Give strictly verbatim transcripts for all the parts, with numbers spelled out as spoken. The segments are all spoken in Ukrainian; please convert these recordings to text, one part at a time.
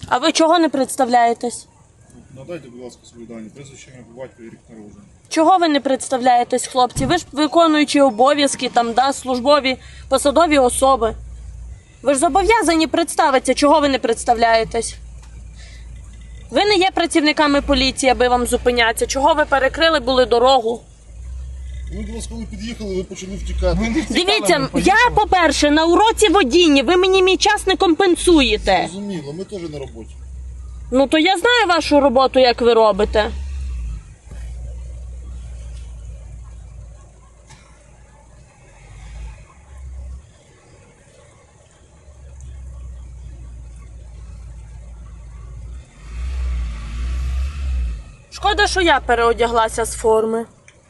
А ви чого не представляєтесь? Надайте, будь ласка, свої дані. Прізвище, ім'я, по батькові, рік народження. Чого ви не представляєтесь, хлопці? Ви ж виконуючі обов'язки, там, да, службові, посадові особи. Ви ж зобов'язані представитися, чого ви не представляєтесь? Ви не є працівниками поліції, аби вам зупинятися. Чого ви перекрили були дорогу? Ви до вас, коли під'їхали, ви почали втікати. Дивіться, я, по-перше, на уроці водіння, ви мені мій час не компенсуєте. Зрозуміло, ми теж на роботі. Ну, то я знаю вашу роботу, як ви робите. Шкода, що я переодяглася з форми.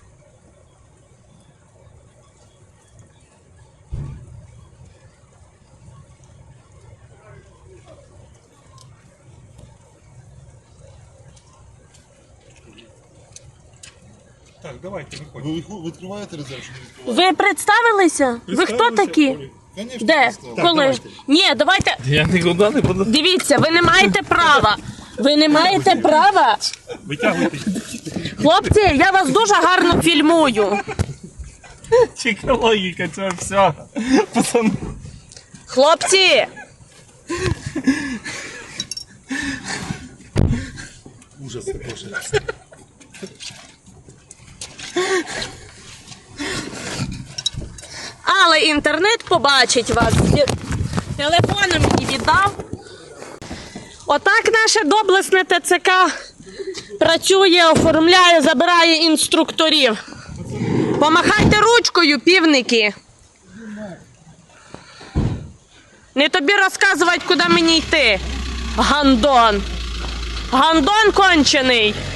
Так, давайте, виходьте. Ви виху- відкриваєте резерв чи не відкриваєте? Ви представилися? Ви хто такі? Конечно, Де? представили. Коли? давайте. Ні, давайте. Я нікуди не буду. Дивіться, ви не маєте права. Ви не маєте права. Витягуйте. Хлопці, я вас дуже гарно фільмую. Чека логіка, це все. Пацан. Хлопці, Ужас також. але інтернет побачить вас. Телефони мені віддав. Отак наше доблесне ТЦК працює, оформляє, забирає інструкторів. Помахайте ручкою, півники. Не тобі розказувати, куди мені йти. Гандон. Гандон кончений.